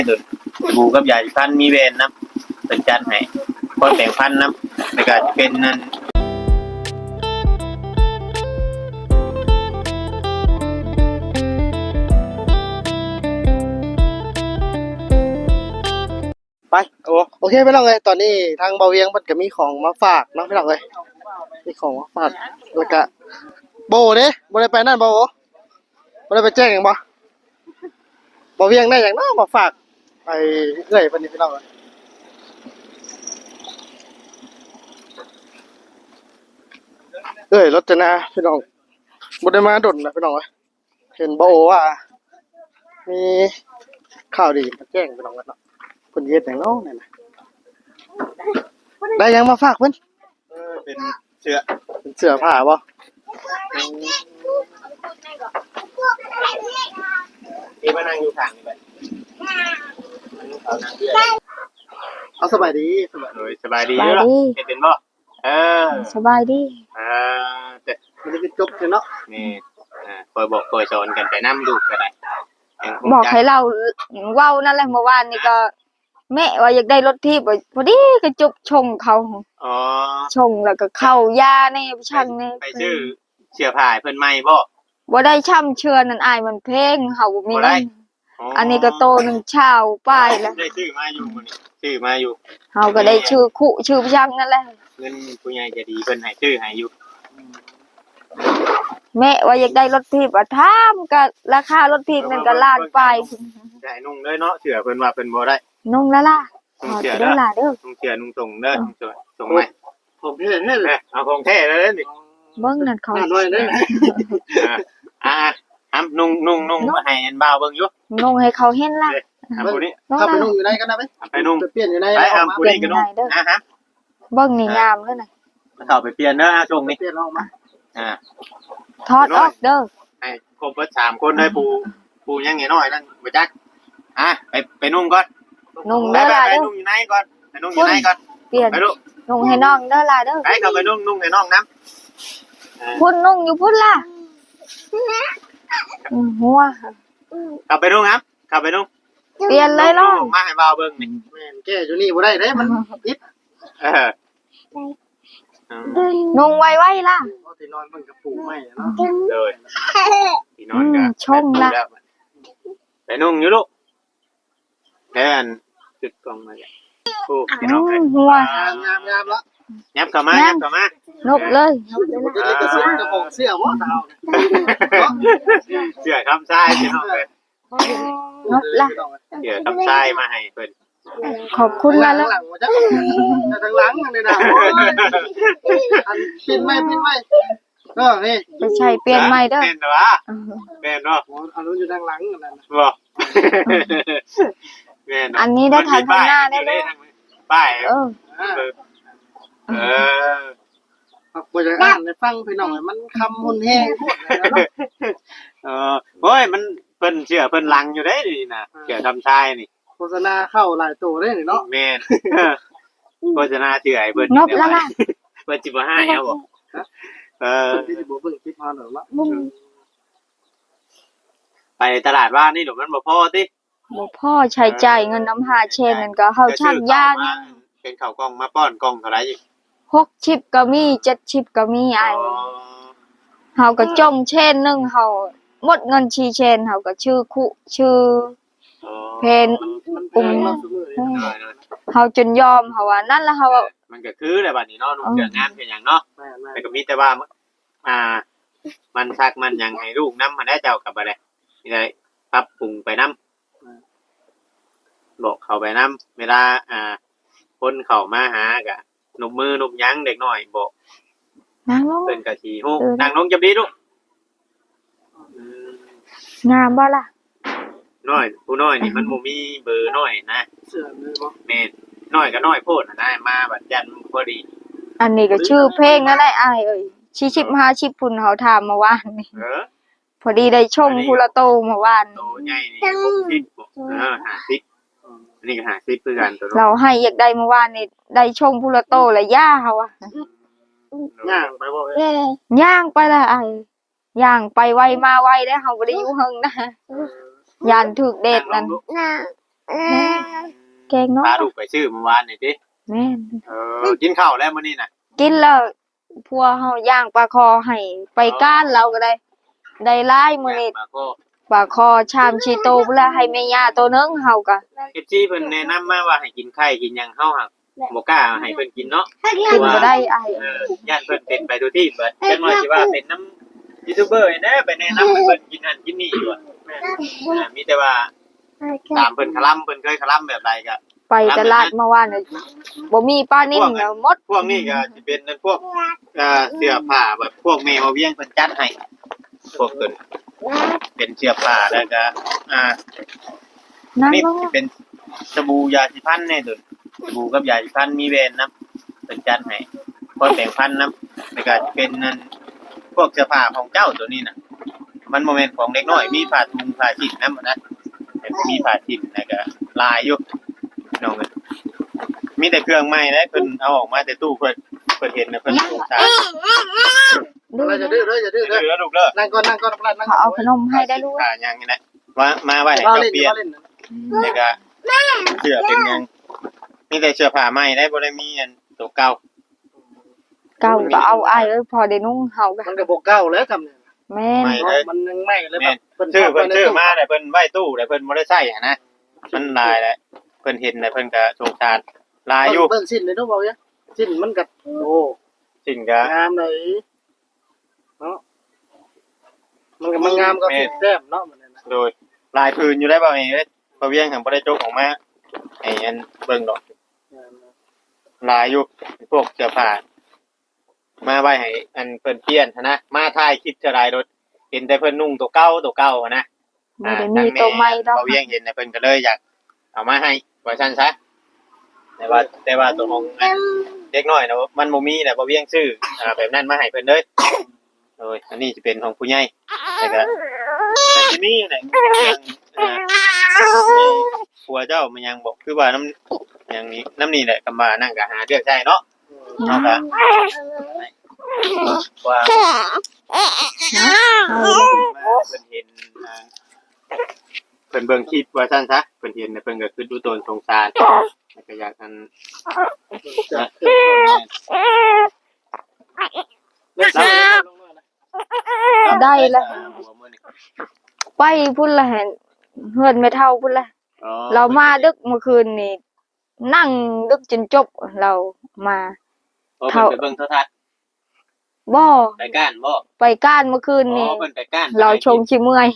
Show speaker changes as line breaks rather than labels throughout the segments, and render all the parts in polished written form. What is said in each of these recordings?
ดุดบูกับยาสีฟันมีเวนนะเป็นจัดให้คนแต่งพันนะแล้วก็จะเป็นนั่น
ไปโอเคพี่น้องเลยตอนนี้ทางเบาเวียงมันก็มีของมาฝากเนาะพี่น้องเลยมีของมาฝากแล้วก็โบเด้บ่ได้ไปนั่นบ่ได้ไปแจ้งหยังบ่เบาเวียงได้หยังเนาะมาฝากไปเรื่อยเพิ่นนี่พี่น้องเลยรถจนาพี่น้องบ่ได้มาดนนะพี่น้องเอ้ยเห็นบ่ว่ามีข่าวดีมาแจ้งพี่น้องกันเนาะเพิ่นเฮ็ดหยังเนาะนั่นน่ะได้หยังมาฝากเพิ่น
เป็นเสื้อ
ผ้าบ่
ที่มานั่งอยู่ข้างนี่แบบ
เอาสบายดี
สบายดีอยู่ล่ะเฮ็ดเป็นบ่
สบายดี
แต่
มันจะจบเนาะ
นี่คอยบอกคอยสอนกันไปนำดูก็ได้
บอกให้เราเว้านั่นแหละเมื่อวานนี่ก็แม่ว่าอยากได้รถทิพย์พอดีก็จุบชงเขาชงแล้วก็เข้ายาในช่างนี่
ไปซื้อเสื้อผ้าเพิ่นใหม่บ่
ได้ช่ำเชือนั่นอายมันเพลงเฮาบ่มีเงินอันนี้ก็โตนึงเช้าป้ายแล้ว
ได้ซื้อมาอยู่มื้อนี้ซื้อมาอยู่
เฮาก็ได้ชื่อคุชื่อช่างนั่นแหละ
เงินผู้ใหญ่จะดีเพิ่นให้ซื้อให้อยู่
แม่ว่าอยากได้รถทิพย์ถามก็ราคารถทิพย์นั่นก็ล้านปลาย
ได้นุ่งเลยเนาะเสื้อเพิ่นว่าเพิ่นบ่ได้
นุ่งแล้วล่ะ
นุ่งเสื้อเด้อนุ่งเสื้อนุ่งส่งเด้อส่งใหม่
ผมเท่เลย
เอาของแท้เลยนี่
เบิ่งนั่นเขา
น้อยเด้
อนุ่งมาให้อันบ่าวเบิ่งอยู่
นุ่งให้เขาเห็นล่ะ
ผู้นี้
ถ้าไปนุ่งอยู่ไหนกันนะไปนุ่งเปลี่ยนอยู่ไหน
ไปผู้นี้ก็นุ่งฮะ
เบิ่งนี่งามเด้อน่ะ
เข้าไปเปลี่ยนเด้อช่วงนี้
เปลี่ยนออกมา
ถอดออกเด้อ
ให้ครบเบิด3คนเลยปูยังน้อยนั่นบ่จักไปนุ่งก่อน
นุ่งเด้อล่ะเด้อ
นุ่งอยู่ไหนก่อนไปนุ่งอยู่ไหนก่อน
เปลี่ยน
ไปลูก
นุ่งให้น้องเด้อล่ะเด้อ
ไปเข้าไปนุ่งให้น้องนำ
พุ่นนุ่งอยู่พุ่นล่ะหัว
เข้าไปนุ่งครับเข้าไปนุ่ง
เปลี่ยนเลยน้อง
มาให้บ่าวเบิ่งนี่
แม่นแก้อยู่นี่บ่ได้เด้มันอิด
นุ่งไว้ล่ะ
ที่นอนมันก็ปูใหม่เนาะ
เลยที่นอนก็
ชงล่ะ
ไปนุ่งอยู่ลูกแทนจุดกล้องมาโอ้พี่น้อง
หัว
งามแล้ว
ยับเข้ามาน
บเลย
เสื้อบ่ดาว
เสื้อคำทรายพี่น้องเลย
นบล่ะ
เสื้อคำทรายมาให้เพิ่น
ขอบคุณล่ะแล้ว
หลังจ้ะทางหลังนี่นะอันปิดไม่นี่
ไม่ใช่เปลี่ยนใหม่เด้อ
เป็นวะเป็นเนาะ
อันนู้นอยู่ทางหลังนั่นน่ะ
บ่
อันนี้ได้ทางข้างหน้าได้เลย
ป้าย
บ่จะอ่านให้ฟังพี่น้องมันคำมุนแห้ง
โอ้ยมันเพิ่นเชื่อเพิ่นลังอยู่ได้นี่นะเชื่อทำชายนี่
โฆษณาเข้าหลายตัวได้นี่เนาะ
แม่นโฆษณาเชื่อไอ้เพิ่น
นบแล้วล่ะ
เพิ่นสิบ่ให้เอาบ่
ที่บ่เบิ่งคลิปมาหรอกละ
ไปตลาดว่านี่หนูมันบ่พอติ
บ่พอใช้จ่ายเงินน้ำ5เชนนั่นก็เฮาชักยานี่
เป็นข้าวกล้องมาป้อนกล้องเท่าไหร่อีก
6ชิปก็มี7ชิปก็มีไอ้เฮาก็จงเชนนึงเฮาหมดเงินชีเชนเฮาก็ชื่อคุชื่อเพนเฮาจนยอมเฮาว่านั่นแล้วเฮา
มันก็คือแหละบัดนี้เนาะนุ่งเสื้องานเป็นหยังเนาะแต่ก็มีแต่ว่ามันซักมันหยังให้ลูกนำมาได้เจ้ากับบ่ได้นี่ได้ปรับปรุงไปนำบอกเข้าไปนำเวลาคนเข้ามาหาก็นบมือนบยั้งเด็กน้อยบอก
นางลง
เพิ่นก็สิฮู้นางลงจับดีลูก
งามบ่ล่ะ
น้อยผู้น้อยนี่มันบ่มีเบอร์น้อยนะ
เสื้อมือบ่
แม่น้อยก็น้อยโพดนะมาบัดยันพอดี
อันนี้ก็ชื่อเพลงนั่นได้อ้ายเอ้ยชิชิบ5ชิบพุ่นเฮาถามเมื่อวานนี่พอดีได้ชมพุละโตเมื่อวาน
โตใหญ่นี่50อันนี้ก็50คือกันตัว
เราให้อยากได้เมื่อวานนี่ได้ชมพุละโตและย่าเฮา
ย่างไปบ่
ย่างไปละอ้ายย่างไปไวมาไวได้เฮาบ่ได้อยู่เฮิงนะยานถึกเดชนั่นแกงเนาะ
พาลูกไปซื้อเมื่อวานนี่ติ
แม่น
กินข้าวแล้วมื้อนี้น่ะ
กินแล้วพัวเฮาย่างปลาคอให้ไปก้านเราก็ได้หลายมื้อนี้
มาก็
ปลาคอชามชีโตพุ่นละให้แม่ย่าตัวนึงเฮาก็
FC เพิ่นแนะนำมาว่าให้กินไข่กินหยังเฮาหักบ่กล้าให้เพิ่นกินเนาะ
กินบ่ได้อ้าย
ย่านเพิ่นเป็นไปทุกที่เบิดจังว่าสิว่าเป็นน้ำยูทูบเบอร์แน่ไปแนะนำให้เพิ่นกินนั่นกินนี่อยู่อะมีแต่ว่าตามเพิ่นคลำเพิ่นเคยคลำแบบใดก็
ไปตลาดเมื่อวานน่ะบ่มีปลานิ่มแล้วหมด
พวกนี้ก็สิเป็นนั่นพวกเสื้อผ้าแบบพวกแมวเวียงเพิ่นจัดให้พวกเพิ่นเป็นเสื้อผ้าแล้วก็
นั่ง
นี่
ลง
สิเป็นสบู่ยาสีฟันแน่ตุนสบู่กับยาสีฟันมีแบรนด์นํเพิ่นจัดให้พอแต่งพันนํแล้วก็เป็นนั่นพวกเสื้อผ้าของเจ้าตัวนี้น่ะมันบ่แม่นของเด็กน้อยมีผ้าถุงผ้าชิ้นนำนะมีผ้าชิ้นแล้วก็ลายอยู่น้องเอ้ยมีแต่เครื่องใหม่นะเพิ่นเอาออกมาแต่ตู้เพิ่นเห็นนะเพิ่นสงสาร
ดู
อย่าดื้ออย่าดื้อ
เด้อลูกเด้อ
นั่งก่อนนั่ง
เขาเอาขนมให้ได้ลูก
ยังนี่แหละว่ามาไว้ให้
เรา
เจ้า
เล่น
เปลี่ยน
เราเล่น
แล้วก็เสื้อเป็นยังมีแต่เสื้อผ้าใหม่ได้บ่ได้มีอันตัวเก่า
เก่าก็เอาอ้ายเอ้ยพอได้นุ่งเฮาก็
มันก็บ่เก่าแล้วทำเนี่ย
แม่น
ใหม่เลย
มันยังใหม่เลยแบบ
เพิ่นชื่อมาแต่เพิ่นไว้ตู้แต่เพิ่นบ่ได้ใช้หันนะมันลายแหละเพิ่นเห็นแต่เพิ่นก็สงสารลายอยู่
เบิ่งสิ้นเลยเนาะเว้าเนี่ยสิ้นมันก็โอ้
สิ่งก็
งามเลยเนาะมันงามก็สุดแซ่บเนาะมันนั่นน่ะ
โดยลายพื้นอยู่ได้บ่เอ้ยบ่เวียงหันบ่ได้จกออกมาไอ้อันเบิ่งดอกลายอยู่พวกเสื้อผ้ามาไว้ให้อันเพิ่นเปลี่ยนหั้นนะมาถ่ายคลิปจะได้รถเห็นแต่เพิ่นนุ่งตัวเก่าหั้นนะ
บ่ได้มีตัวใหม่ดอก
บ่เวียงเห็นแต่เพิ่นก็เลยอยากเอามาให้ว่าซั่นซะแต่ว่าตัวของเด็กน้อยนะมันบ่มีน่ะบ่เวียงซื้อแบบนั้นมาให้เพิ่นเลยโอ้ยอันนี้สิเป็นของผู้ใหญ่แต่ก็แต่ที่นี่น่ะผัวเจ้ามันยังบอกคือว่าน้ำอย่างนี้น้ำนี่แหละกำมานั่งก็หาเรื่องใช้เนาะเนาะก็ว่าเพิ่นเห็นเพิ่นเบิ่งคลิปว่าซั่นซะเพิ่นเห็นเพิ่นก็คือดูตนสงสารแล้วก็อยากอัน
ได้ละไปพุ่นละเห็นเฮือนไม่เท่าพุ่นละเรามาดึกเมื่อคืนนี่นั่งดึกจนจบเรามา
เท่าไปเบิ่งโทรทัศน์
บ่
ไปก้านบ่
ไปก้านเมื่อคืนนี่
เพิ่นไปก้าน
เราชงชิเมื่อย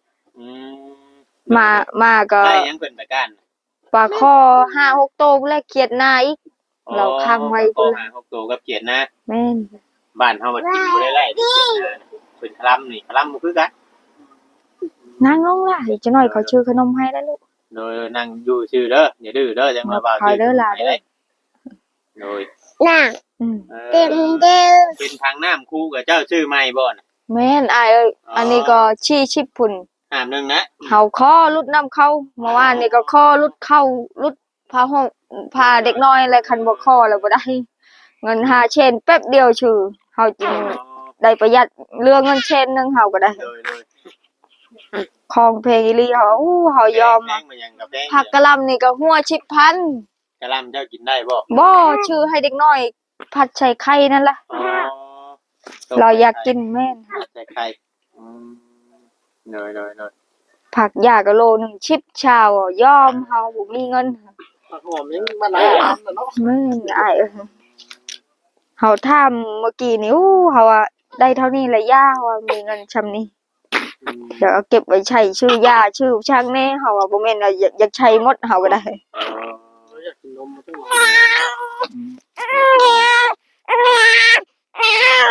มาก็
ได้ยังเพิ่นไปก้าน
ปลาคอ5-6โตพุ่นละเขียดหน้าอีกเราค้างไว้พุ่นละ
6ตัวกับเขียนนะ
แม่น
บ้านเฮามันกินบ่ได้ไล่เขียนนะเป็นคลำนี่คลำบ่คือกัน
นั่งลงล่ะเดี๋ยวจะหน่อยเขาชื่อขนมให้ได้ลูก
โดยนั่งอยู่ชื่อเด้ออย่าดื้อเด้อจังมาบ่าว
คอยเด้อล่ะ
โดย
เต็มเด้อ
เป็นทางน้ำคู่กับเจ้าชื่อใหม่บ่น่ะ
แม่นอายเอ้ยอันนี้ก็ชี้ชิบพุ่น
ห้ามนึงนะ
เฮาคอรุดน้ำเข้าเมื่อวานนี่ก็คอรุดเข้ารุดพาห้องพาเด็กน้อยอะไรคันบ่คอแล้วบ่ได้ เงิน5เชนแป๊บเดียวชื่อเฮาจึงได้ประหยัดเรื่องเงินเชนนึงเฮาก็ได้
โดย
ของเพลงอีหลีเฮาเฮายอม
แพงมายังกับแพง
ผักกะหล่ำนี่ก็หัว10,000
กะลำเจ้ากินได้บ่
บ่ชื่อให้เด็กน้อย ผัดใส่ไข่นั่นล่ะเราอยากกินแม่น
ใส่ไข่โดย
ผักยาก็โลนึง10ชาวยอมเฮาบ่มีเงิน
ผักหอมยังมันหลายอันน่ะเนาะ
แม่นอ้ายเอ้ยเฮาถามเมื่อกี้นี่เฮาว่าได้เท่านี้แหละย่าว่ามีเงินชำนี้เดี๋ยวเอาเก็บไว้ใช้ชื่อย่าชื่อช่างแน่เฮาว่าบ่แม่นว่าอยากใช้หมดเฮาก็ได้
อยากกินนมมาตั้งหลาย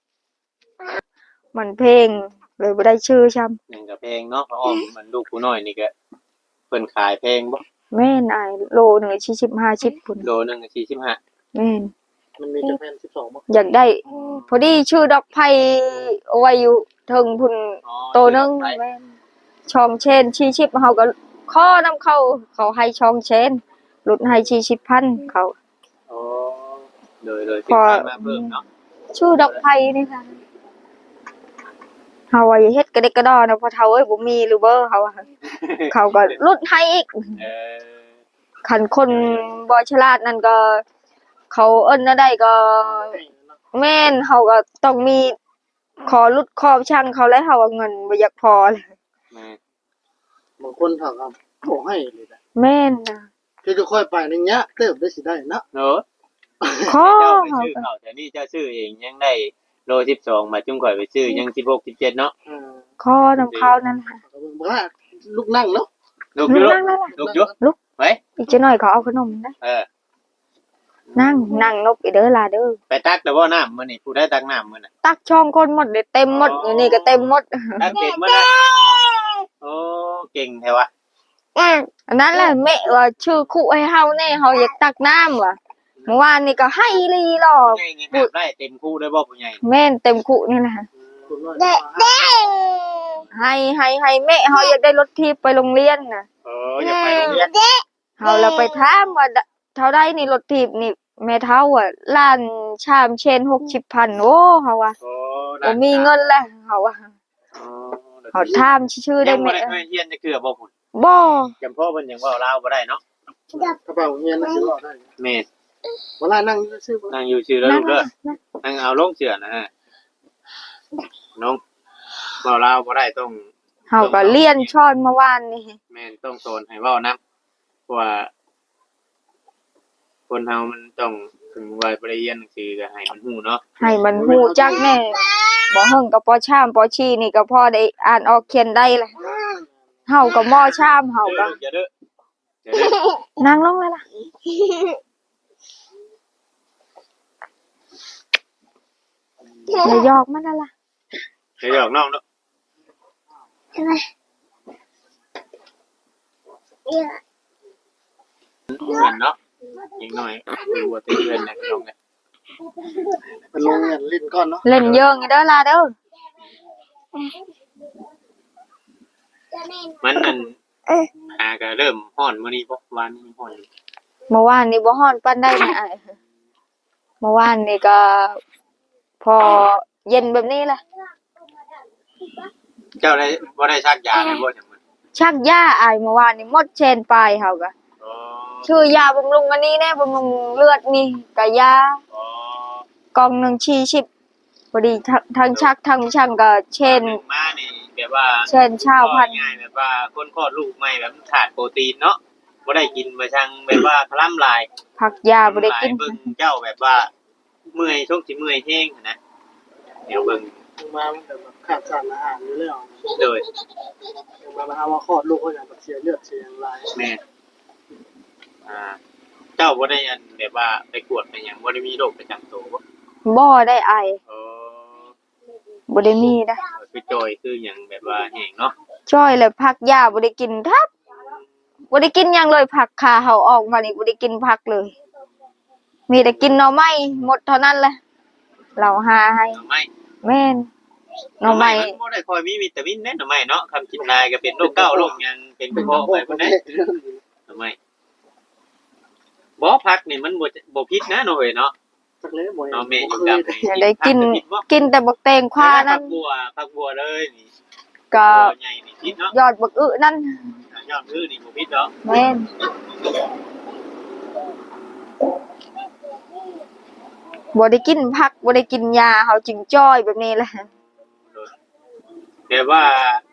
มันเพลงเลยบ่ได้ชื่อช่ำ
ยังกับเพลงเนาะเพราะอ้อมมันลูกผู้น้อยนี่ก็เพิ่นขายเพลงบ่
แม่นอ้ายโลนึง40-50พุ่น
โลนึงก็45
แม่น
มันมีแต่แผ่น12บ่
อยากได้ พอดีชื่อดอกไผ่เอาไว้อยู่เทิงพุ่นโตนึงแม่นช่องเชน40เฮาก็ขอนำเขาให้ช่องเชนลดให้40,000เขา
อ๋อโดยสิขายมาเพิ่มเนาะ
ชื่อดอกไผ่นี่ค่ะเฮาว่าอย่าเฮ็ดกระเดกกระดอนะเพอเฒ่าเอ้ยบ่มีหรือเบ้อเขาว่าเขาก็ลดให้อีก
เออ
คันคนบ่ฉลาดนั่นก็ เขาเอิ้นได้ก็แม่นเฮาก็ต้องมีขอลดขอช่างเขาแล้วเฮาว่าเงินบ่อยากพอเลย
แม่
บางคนเขาก็ขอให้เลยนะ
แม่นนะ
คือจะค่อยไปในเงี้ยเติบได้สิได้นะ
เนาะ
ขอ
เจ้าไป
เฮา
ซื้อ
ก็
ข้าวแต่นี่เจ้าซื้อเองยังได้โล12มาจุ่มข่อยไปซื้อยัง16 17เนาะ
ขอนำเขานั่นล่ะ
ว่าลูกนั่งเนาะ
ลูกอยู่ลูก
นั่งนั่นล่ะ
ลูกอยู่
ลุก
ไว้
อีกจักหน่อยเขาเอาขนมนะ
เออ
นั่งนบอีเด้อล่ะเด้อ
ไปตักแต่ว่าน้ำมื้อนี้ผู้ได้ตักน้ำมื้อน่ะ
ตักช่องคนหมดเลยเต็มหมดอยู่นี่ก็เต็มหมด
ตักเป็นมื้อน่ะโอ้เก่งแท้วะ
อันนั้นแหละแม่ว่าชื่อคู่ให้เฮาแน่เฮาอยากตักน้ำว่ะเมื่อวานนี่ก็ให้ลีหรอ
ผู้ใหญ่นี่ครับได้เต็มคู่ได้บ่ผู้ใหญ่
แม่นเต็มคู่นี่แหละ
คุณน้อย
ให้แม่เฮาอยากได้รถทีบไปโรงเรียนน่ะ
เอออย่าไปโรงเรียน
เฮาแล้วไปถามว่าเท่าใดนี่รถทีบนี่แม่เฒ่าอ่ะล้านชามเชน60,000โอ้เฮาว่า
โอ้
บ่มีเงินแล้วเฮาว่า
อ๋อ
เฮาถามชื่อได้
ยังบ่
แม่
ได้เคยเรียนจะเกือบ่พุ่น
บ่
จำพ่อเพิ่นยังเว้าลาวบ่ได้เนาะ
กระเป๋าเงี้ยนะสิรอได้
แม่
เวลานั่งซื้อ
นั่งอยู่ชื่อแล้ว
นั่
ลู
น
กเด้อ
น่ะ
นั่งเอาลงเสือนะฮะน้องเว้าลาวบ่ได้ต้อง
เฮาก็เรียนช้อนเมื่อวานนี่
แม่นต้องสอนให้เว้านํเพราะว่าคนเฮามันต้องถึงวัยไปเรียนหนังสือก็ให้มันฮู้เนาะ
ให้มันฮู้จักแน่บ่เฮิงก็ปอชามปอชีนี่ก็พอได้อ่านออกเขียนได้แหละเฮาก็มอชามเฮาก็
อย่าเด้ออย่าเด้อ
นั่งลงเลยล่ะอย่าหยอกมันนั่นล่ะ
อย่าหยอกน้องเนาะกันเนาะอีกหน่อยดูว่าเตือนนะน้องเนี่ย
เป็นโรงเรียนลิ้นก้อนเนาะ
เล่นเยอะงี้เด้อล่ะเด้อ
มันนั่นหาก็เริ่มฮ้อนมื้อนี้บ่วานนี้ฮ้อนอยู่
เมื่อวานนี่บ่ฮ้อนปานใดนะอ้ายเมื่อวานนี่ก็พอเย็นแบบนี้ล่ะ
เจ้าได้บ่ได้ชักยาเลยบ่จังมัน
ชักยาอ้ายเมื่อวานนี่หมดเชนปลายเฮาก็
อ๋อ
ชื่อยาบำรุงอันนี้แน่บำรุงเลือดนี่ก็ยา
อ๋อก
ล่องหนึง40พอดีทั้งชักทั้งช่างก็เช่น
หนึ่งมานี่แบบว่า
เช่นชาวพันธุ์
ง่ายๆแบบว่าคนคลอดลูกใหม่แบบขาดโปรตีนเนาะบ่ได้กินมาช่างแบบว่าคล่ำลาย
ผักยาบ่ได้กิน
เบิ่งเจ้าแบบว่าเมื่อยช่วงสิเมื่อยแห้งนะเดี๋ยวเบิ่ง
มามันแบบขาดสารอาหารอยู่แล้ว
โดย
มาหาว่าคลอดลูกก็อย่างเสียเลือดเสียลาย
แม่เจ้าบ่ได้อันแบบว่าไปกวดไปหยังบ่ได้มีโรคประจำตัวบ่
บ่ได้ไอ
เออ
บ่ได้มีนะ
คือจอยคือหยังแบบว่าแห้งเนาะ
จ้อยเลยผักยาบ่ได้กินทับบ่ได้กินหยังเลยผักขาเฮาออกมานี่บ่ได้กินผักเลย มีแต่กินหน่อไม้หมดเท่านั้นแหละเราหาให้
หน่อไม้
แม่นหน่อไม้
นบ่ได้ค่อยมีวิตามินแน่หน่อไม้เนาะคำกินนายก็เป็นโรคเก้าโรคหยังเป็นกระเพาะไปบ่ได้หน่อไม้บ่ผักนี่มันบ่ผิดนะเนาะเว้ยเนาะ
สักเล่บ่
เนาะแม่อยู่กับ
อย่าได้กินแต่บักแตงควานั่น
ผักบัวเลยนี่
ก็
ใหญ่นี่ผิดเนาะ
ยอดบักอึนั่น
ยอดคือนี่บ่ผิดเนาะ
แม่นบ่ได้กินผักบ่ได้กินยาเฮาจึงจ้อยแบบนี้แหละ
แต่ว่า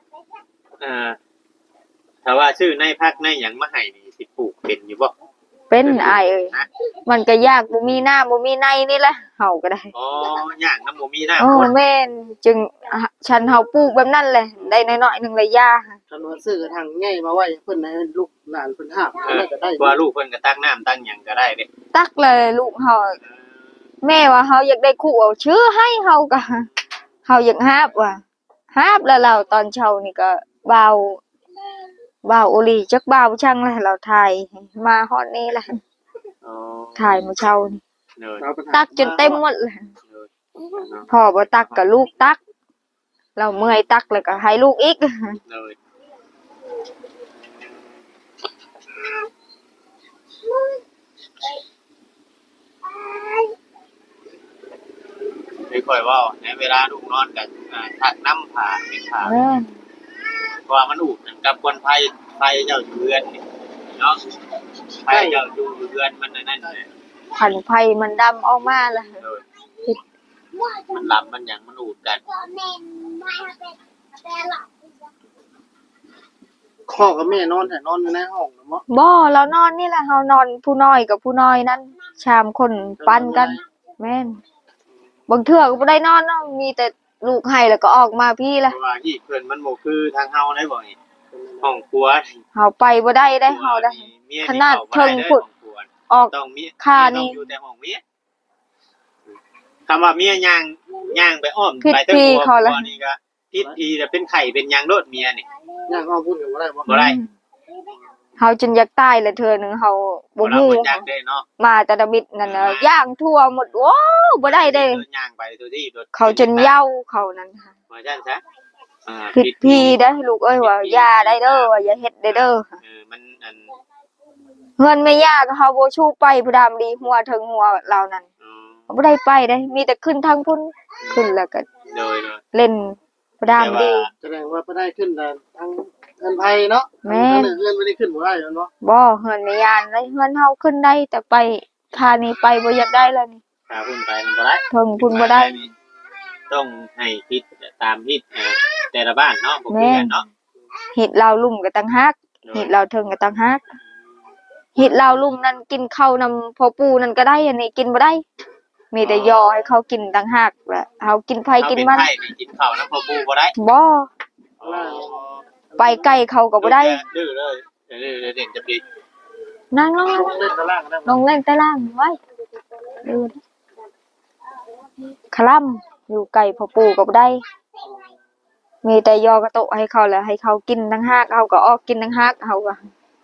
ถ้าว่าชื่อในพักในหยังมาให้นี่สิปลูกเป็นอยู่บ่
เป็นอายเอ้ยมันก็ยากบ่มีหน้าบ่มีในนี่แหละเฮาก็ได้
อ๋อย่างน้ำบ่มีน้ำ
โอ้
คน
แม่นจึงฉันเฮาปลูกแบบนั้นแหละได้น้อยๆหนึงเลยยา
คันว่าซื้อทางง่ายมาไว้เพิ่นให้ลูกหลานเพิ่นหาบก็ได้
ว่าลูกเพิ่นก็ตักน้ำตั้งหยังก็ได้เด้
ตักเลยลูกเฮาแม่ว่าเฮาอยากได้คู่เอาชื่อให้เฮาก็เฮาอยากหาบว่ะหาบแล้วเราตอนเช้านี่ก็บ่าวโอลีจักบ่าวช่างแล้วเราถ่ายมาฮอดนี้แหละ
อ๋อ
ถ่ายมื้อเช้านี่
เนิน
ตักจนเต็มหมดเลย
เนาะ
พ่อบ่ตักก็ลูกตักเราเมื่อยตักแล้วก็ให้ลูกอีก
เนินในค่อยเว้าในเวลาลูกนอนก็ถักน้ำผ้าเป็นผ้า
แม่น
เพราะว่ามันอุกกับคนไผเจ้าอยู่เรือนนี่เนาะไผเจ้าอยู่เรือนมันนั่นแหละ
ขันไผมันดำออกมาล่ะ
มันหลับมันหยังมันอุดกัน
พ่อกับแม่นอนแต่นอนอยู่ในห้องนะมั้ง
บ่เรานอนนี่แหละเฮานอนผู้น้อยกับผู้น้อยนั้นชามคนปันกัน แม่นบางเทื่อก็บ่ได้นอนเนาะมีแต่ลูกให้แล้วก็ออกมาพี่
เพ
ล่ะ
ราะว่าที่เพิ่นมันบ่คือทางเฮาได้บ่นี่ห้องครัว
เฮาไปบ่ได้ได้เฮาได้
เมีย
ขนาดเทิง
นี่
พุ่น
เข้าบ่ได้
ออก
เด้อต้องมี
ค่านี่
ต้องอยู่แต่ห้องเมียคำว่าเมียย่างไปอ้อม
ผิด
ไปทั้ง
ที่
หัว
เขาละ
หัวนี่ก็ผิดทีแต่เป็นไข่เป็นหยังโดดเมียนี่
ย่างห้องพูดกันว่าได้บ่
บ่ได้
เฮาจนอยากตายเลยเทื่อหนึงเฮาบ่
เรา
ฮู้
บ่จักได้เนาะ
มาแต่ละมิดนั่นน่ะย่างทั่วหมดโอ้บ่ได้เด้
ย่างไปตัวที่โดด
เขาจนเหย้าเขานั่นค่ะ
ว่าซั่นซะ
ผิดพี่ได้อลูกเอ้ยว่าอย่าได้เด้อว่าอย่าเฮ็ดได้เด้อ
มันอัน
เฮือนแม่ย่าก็เฮาบ่ชูไปผู้ดามดีหัวถึงหัวเรานั่นบ่ได้ไปได้มีแต่ขึ้นทางพุ่นขึ้นแล้วก็
โดย
เล่นผู้ดามดี
แสดงว่าบ่ได้ขึ้นแต่ทางเงินไผเนาะ
แม่
ทางเงินไม่ได้ขึ้นบ่ได้เนาะ
บ่เฮือนแม่ย่าได้เฮือนเฮาขึ้นได้แต่ไปคานี้ไปบ่อยากได้แล้วนี่
พาพุ่นไปมันบ่ได้
ถึงพุ่นบ่ได้
ต้องให้คิดตามที่แต่ละบ้านเนาะบ่คือกันเนาะ
เฮ็ดเราลุ่มก็ต่างหากเฮ็ดเราถึงก็ต่างหากเฮ็ดเราลุ่มนั่นกินข้าวนำพ่อปู่นั่นก็ได้อันนี้กินบ่ได้มีแต่ยอให้เขากินต่างหากแหละเฮากินไผกินมัน
เฮาเป็นไผนี่กินข้าวน้ำพ่อปู่บ่ได้
บ่ไปใกล้เขาก็บ่ได้
ดื้อเลยดื้อเด่นจะดี
นั่งลง
ลงเล่นตารางได้
ลงเล่นใต้ล่างไว้ดูคลำอยู่ไกลพ่อปู่ก็บ่ได้ มีแต่ยอกระโตะให้เขาแล้วให้เขากินต่างหากเขาก็ออกกินต่างหากเขาก็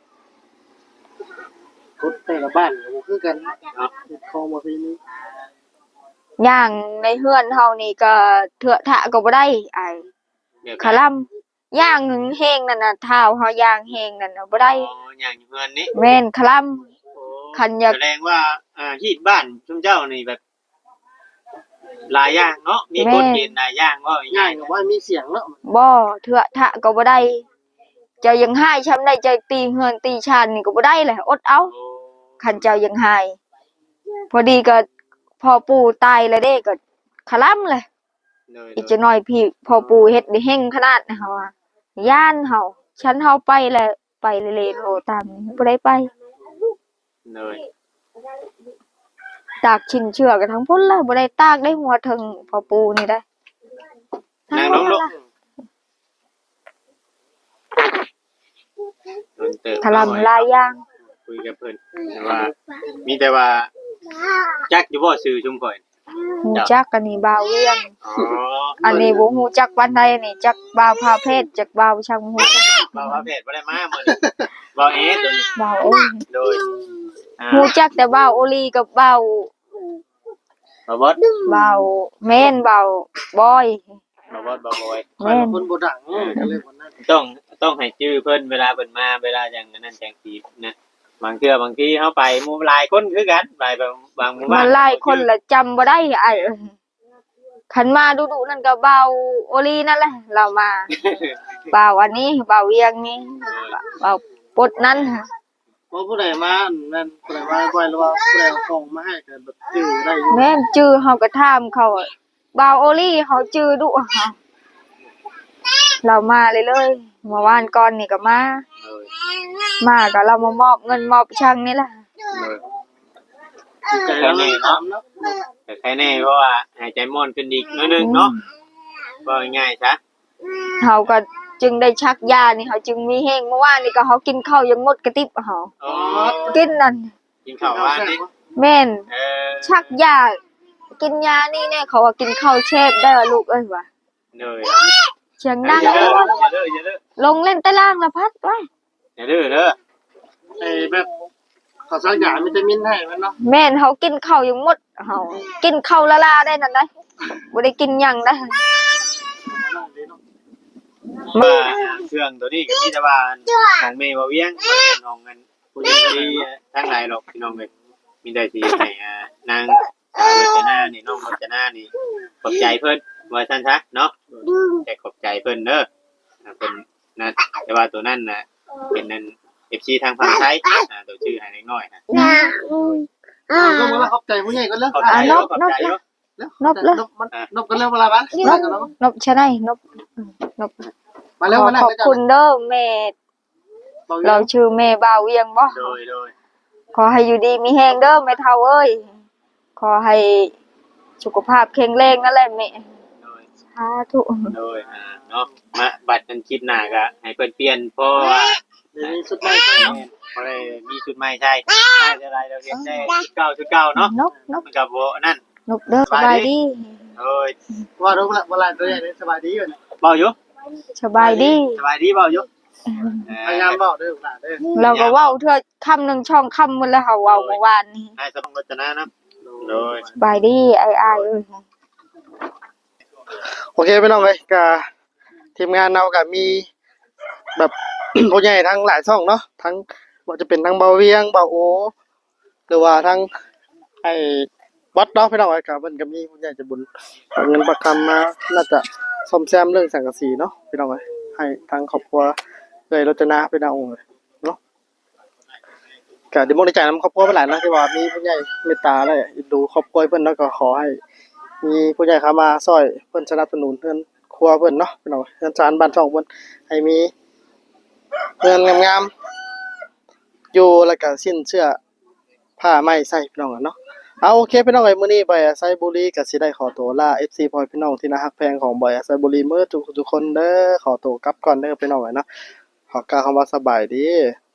กดแต่ละบ้านก็บ่คือกันเนาะของบ่ปีนี้
ย่างในเฮือนเฮานี่ก็เถอะทะก็บ่ได้ไอ้คลำย่างแห้งนั่นน่ะเท้าเฮาย่างแห้งนั่นน่ะบ่ได้
อย่างอยู่เฮือนนี้
แม่นคลำ คันอยาก
แสดงว่าฮีดบ้านชุมเจ้านี่แบบหลายอย่างเนาะมีกฎเกณฑ์หลายอย่างว่า
ง่า
ง่าย ย
ก็ว่ามีเสียงเนาะ
บ่เถอะทะก็บ่ได้เจ้ายังหายช้ำได้ใจตีเฮือนตีชานนี่ก็บ่ได้แหละอดเอาคันเจ้ายังหายพอดีก็พอปู่ตายแล้วเด้ก็คลำเลย อีกจะน้อยพี่พอปู่เฮ็ดได้เฮงขนาดนะเฮาอะย่านเฮาฉันเฮาไปแล้วไปเล่นๆโลตามนี้บ่ได้ไป
เลย
ตากชิ้นเชือกกันทั้งพุ่นเลยบ่ได้ตากได้หัวถึงพอปู่นี่ได้
นางน้องลูก
ถล่มหลายอย่าง
คุยกับเพิ่นแต่ว่า มีแต่ว่าจักอยู่บ่ซื้อชุมข่อย
ฮู้จักอันนี้บ่าวเวียง
อ๋อ
อันนี้บ่ฮู้จักปานใดอันนี้จักบ่าวพาเพศจักบ่าวช่างฮู้จัก
บ่าวว่าเพศบ่ได้มามื้อนี้บ่าวเอสตัวนี้
บ่าวโอ้ย
โดย
ฮู้จักแต่บ่าวโอลีกับบ่าว
บ่าวบด
บ่าวแม่นบ่าวบอย
บ่าวบดบ่าวบอย
ใครเป็นคนบ่ดังก็เลยบ่นั้น
ต้องให้ชื่อเพิ่นเวลาเพิ่นมาเวลาอย่างนั้นจังซี่นะบางเทื่อบางทีเฮาไปหมู่หลายคนคือกันไปบางหมู่บ้า
มัน นหลายคนละจำบ่ได้ไอ้คันมาดุๆนั่นก็บ่าวโอลีนั่นแหละเรามาบ่าวอันนี้บ่าวเวียงนี่บ่าวปดนั้น
เพราะผู้ใดมานั่นผู้ใดมาบ่อยหรือว่าผู้ใดเอาของมาให้ก็แบบจื้อได้อยู่
แม่นจื้อเฮาก็ถามเขาอะบ่าวโอลี่เฮาจื้อดุเฮาเรามาเลยเมื่อวานก่อนนี่ก็มาก็เรามามอบเงินมอบช่างนี่แหละ
ใจเราเลยถามเนาะ
แต่ใครแน่เพราะว่าหายใจม่อนขึ้นอีกนิดนึงเนาะก็ง่ายๆซะ
เฮาก็จึงได้ชักยานี่เฮาจึงมีแฮงเมื่อวานนี่ก็เฮากินข้าวยังหมดกระติบเฮา
อ๋อ
กินนั่น
กินข้าวว่านนี่
แม่น
เออ
ชักยากินยานี่แน่เขาว่ากินข้าวแช่บได้ลูกเอ้ยว่ะ
เลย
เสียงดัง
อย่า
เล
เด้อย อย่าเด้อ
ลงเล่นใต้ล่างละพัดไว้
อย่าเด้อเด้อ
ไอ้แบบเขาสักอย่างวิตามินให้มันเนาะ
แม่นเฮากินข้าวยังหมดเฮากินข้าวละลาได้นั่นได้บ่ได้กินหยังได้
มาเครื่องตัวนี้ก็มีแต่ว่าของเมย์บ่เวียงบ่ได้น้องกันผู้หญิงที่ทั้งหลายหรอกพี่น้องเอ้ยมีแต่สิให้นางสาวรจนานี่น้องรจนานี่ขอบใจเพิ่นว่าซั่นซะเนาะแต่ขอบใจเพิ่นเด้อเพิ่นนะแต่ว่าตัวนั้นน่ะเป็นนั่น FC ทางฝั่งไทยตัวชื่อให้เล็กน้อยนะ
ก็มาขอบใจผู้ใหญ่กันแล้ว
ขอบใจเยอะขอบใจเยอะ
นบกันแล้วเวลาบ้าน
นบชะไนนบนบ
มาแล้วมาแล้ว
ขอบคุณเด้อแม่เราชื่อแม่บ่าวเวียงบ่
โดย
ขอให้อยู่ดีมีแฮงเด้อแม่เฒ่าเอ้ยขอให้สุขภาพแข็งแรงนั่นแหละแม่
โดย
สาธุ
โดยเนาะมาบัดนั้นคิดหน้าก็ให้เพิ่นเปลี่ยนเพราะว่า
มีสุดใหม่ใช่เนาะ
เพราะได้มีชุดใหม่ใช่ใช่อะไรเราเรียนได้ชุดเก่าเนาะ
นบ
มันก็บ่นั่น
นบเด้อสบายดี
โอ้ย
ว่ารู้ละเวลาตัวใหญ่สบายดีอยู่
เบาอยู่
สบายดี
สบายดีเบาอยู่
พยายามบอกเด้อหลานเด้อ
เราก็เว้าเทื่อค่ำหนึงช่องค่ำหมดแล้วเฮาเว้าเมื่อวานนี้
ให้สมรจนะนะโดย
สบายดีอ้ายๆเอ้ย
โอเคพี่น้องเอ้ยก็ทีมงานเราก็มีแบบ ผู้ใหญ่ทั้งหลายช่องเนาะทั้งว่าจะเป็นทั้งเบาเวียงเบาโอหรือว่าทั้งไอ้วัดเนาะพี่น้องเอ้ยก็เพิ่นก็มีผู้ใหญ่ใจะบุญเอาเงินประกันมาน่าจะซ่อมแซมเรื่องสังกะสีเนาะพี่น้องเอ้ยให้ทางครอบครัวเลยรจนาพี่น้องเอ้ยเนาะก็ดีมุกดีใจนำครอบครัวเพิ่นหลายเนาะที่ว่ามีผู้ใหญ่เมตตาและเอ็นดูครอบครัวเพิ่นเนาะก็ขอให้ มีผู้ใหญ่เข้ามาช่วยเพิ่นสนับสนุนเพิ่นครัวเพิ่นเนาะพี่น้องเพิ่นจานบ้านช่องเพิ่นให้มีเงินงามๆอยู่แล้วก็สิ้นเชื่อผ้าไหมใส่พี่น้องอะเนาะเอาโอเคพี่น้องเอ้ยมื้อนี้บอยอาไซบุรีก็สิได้ขอตัวลา FC พ่อพี่น้องที่น่ารักแพงของบอยอาไซบุรีมื้อทุกคนเด้อขอตัวกลับก่อนเด้อพี่น้องเอ้ยเนาะขอกล่าวคำว่าสบายดี